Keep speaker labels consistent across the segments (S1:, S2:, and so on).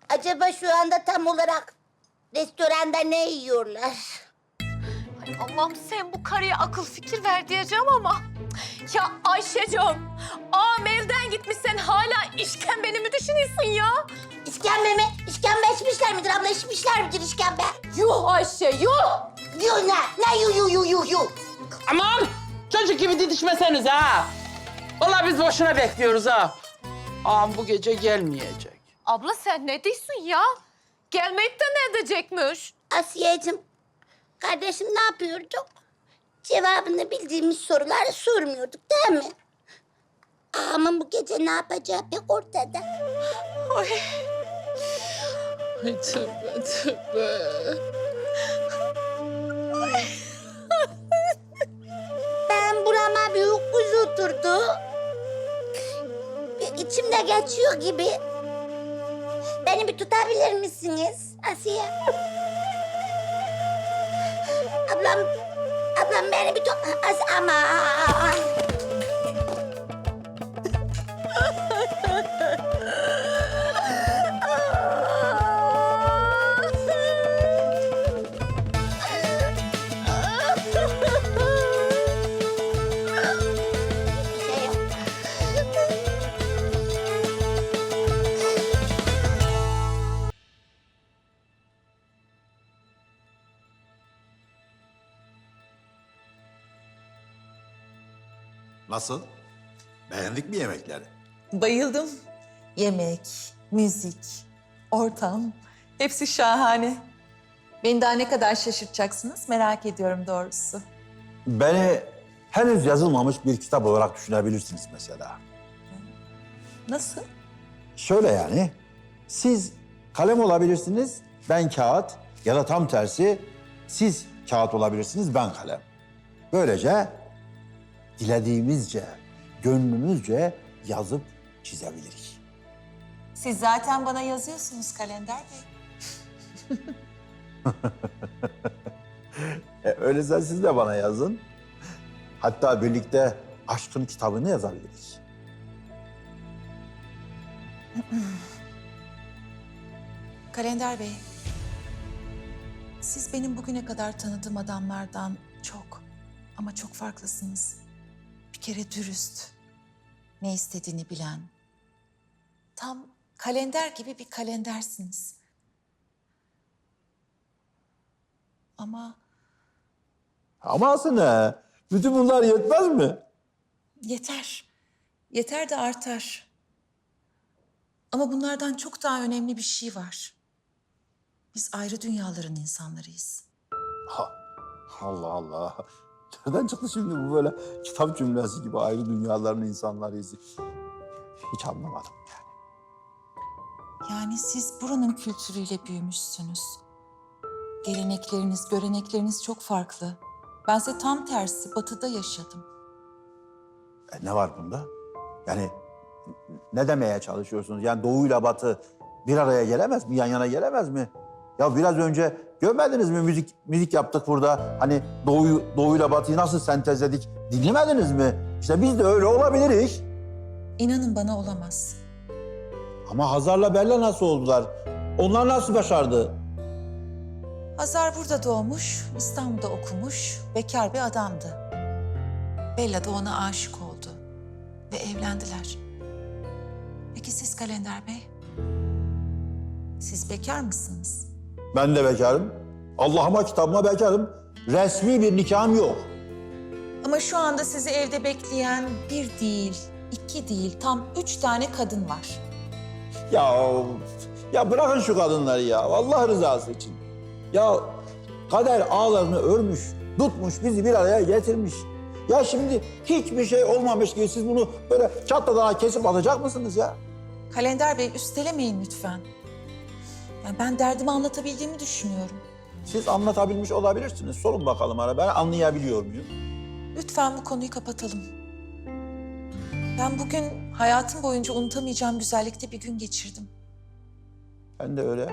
S1: Acaba şu anda tam olarak restoranda ne yiyorlar?
S2: Ay Allah'ım sen bu karıya akıl fikir ver diyeceğim ama... Ya Ayşe'cim, ağam evden gitmiş sen hala işkembeni mi düşünüyorsun ya?
S1: İşkembe mi? İşkembe içmişler midir abla? İçmişler midir işkembe?
S2: Yuh Ayşe, yuh!
S1: Yuh ne? Ne yuh?
S3: Aman! Çocuk gibi didişmeseniz ha! Vallahi biz boşuna bekliyoruz ha. Ağam bu gece gelmeyecek.
S2: Abla sen ne diyorsun ya? Gelmeyip de ne edecekmiş?
S1: Asiyeciğim, kardeşim ne yapıyorduk? Cevabını bildiğimiz soruları sormuyorduk değil mi? Ama bu gece ne yapacağı pek ortada.
S2: Ay.
S3: Ay tövbe.
S1: Ben burama bir ukuz oturdu. İçimde geçiyor gibi. Beni bir tutabilir misiniz Asiye? Ablam beni bir tut... Aman.
S4: Nasıl? Beğendik mi yemekleri?
S5: Bayıldım. Yemek, müzik, ortam hepsi şahane. Beni daha ne kadar şaşırtacaksınız merak ediyorum doğrusu.
S4: Beni henüz yazılmamış bir kitap olarak düşünebilirsiniz mesela.
S5: Nasıl?
S4: Şöyle yani, siz kalem olabilirsiniz, ben kağıt ya da tam tersi siz kağıt olabilirsiniz, ben kalem. Böylece dilediğimizce, gönlümüzce yazıp çizebiliriz.
S5: Siz zaten bana yazıyorsunuz Kalender Bey.
S4: Öyleyse siz de bana yazın. Hatta birlikte aşkın kitabını yazabiliriz.
S5: Kalender Bey, siz benim bugüne kadar tanıdığım adamlardan çok ama çok farklısınız. Bir kere dürüst, ne istediğini bilen, tam kalender gibi bir kalendersiniz. Ama
S4: Aması ne? Bütün bunlar yetmez mi?
S5: yeter, yeter de artar. Ama bunlardan çok daha önemli bir şey var. Biz ayrı dünyaların insanlarıyız.
S4: Ha, Allah Allah. Nereden çıktı şimdi bu böyle kitap cümlesi gibi ayrı dünyaların insanlarıyız? Hiç anlamadım yani.
S5: Yani siz buranın kültürüyle büyümüşsünüz. Gelenekleriniz, görenekleriniz çok farklı. Bense tam tersi, batıda yaşadım.
S4: Ne var bunda? Yani ne demeye çalışıyorsunuz? Yani doğuyla batı bir araya gelemez mi? Yan yana gelemez mi? Ya biraz önce görmediniz mi müzik yaptık burada. Hani doğuyla batıyı nasıl sentezledik dinlemediniz mi? İşte biz de öyle olabiliriz.
S5: İnanın bana olamaz.
S4: Ama Hazar'la Bella nasıl oldular? Onlar nasıl başardı?
S5: Hazar burada doğmuş, İstanbul'da okumuş, bekar bir adamdı. Bella da ona aşık oldu ve evlendiler. Peki siz Kalender Bey? Siz bekar mısınız?
S4: Ben de bekarım. Allah'ıma kitabıma bekarım. Resmi bir nikahım yok.
S5: Ama şu anda sizi evde bekleyen bir değil, iki değil, tam 3 tane kadın var.
S4: Ya bırakın şu kadınları ya. Allah rızası için. Ya kader ağlarını örmüş, tutmuş, bizi bir araya getirmiş. Ya şimdi hiçbir şey olmamış gibi siz bunu böyle çatladan kesip atacak mısınız ya?
S5: Kalender Bey üstelemeyin lütfen. Yani ben derdimi anlatabildiğimi düşünüyorum.
S4: Siz anlatabilmiş olabilirsiniz. Sorun bakalım ara. Ben anlayabiliyor muyum?
S5: Lütfen bu konuyu kapatalım. Ben bugün hayatım boyunca unutamayacağım güzellikte bir gün geçirdim.
S4: Ben de öyle.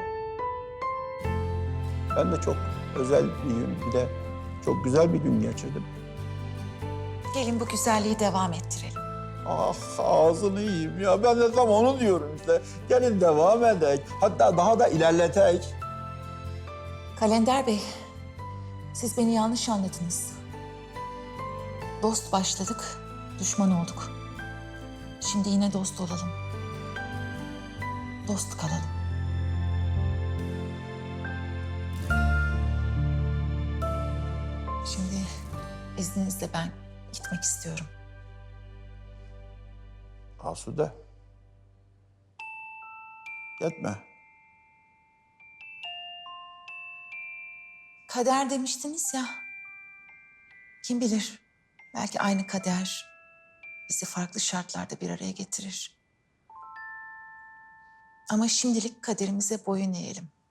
S4: Ben de çok özel bir gün, bir de çok güzel bir gün geçirdim.
S5: Gelin bu güzelliği devam ettirelim.
S4: Ah ağzını yiyeyim ya. Ben de tam onu diyorum işte. Gelin devam edek. Hatta daha da ilerletek.
S5: Kalender Bey, siz beni yanlış anladınız. Dost başladık, düşman olduk. Şimdi yine dost olalım. Dost kalalım. Şimdi izninizle ben gitmek istiyorum.
S4: Asude. Gitme.
S5: Kader demiştiniz ya. Kim bilir, belki aynı kader bizi farklı şartlarda bir araya getirir. Ama şimdilik kaderimize boyun eğelim.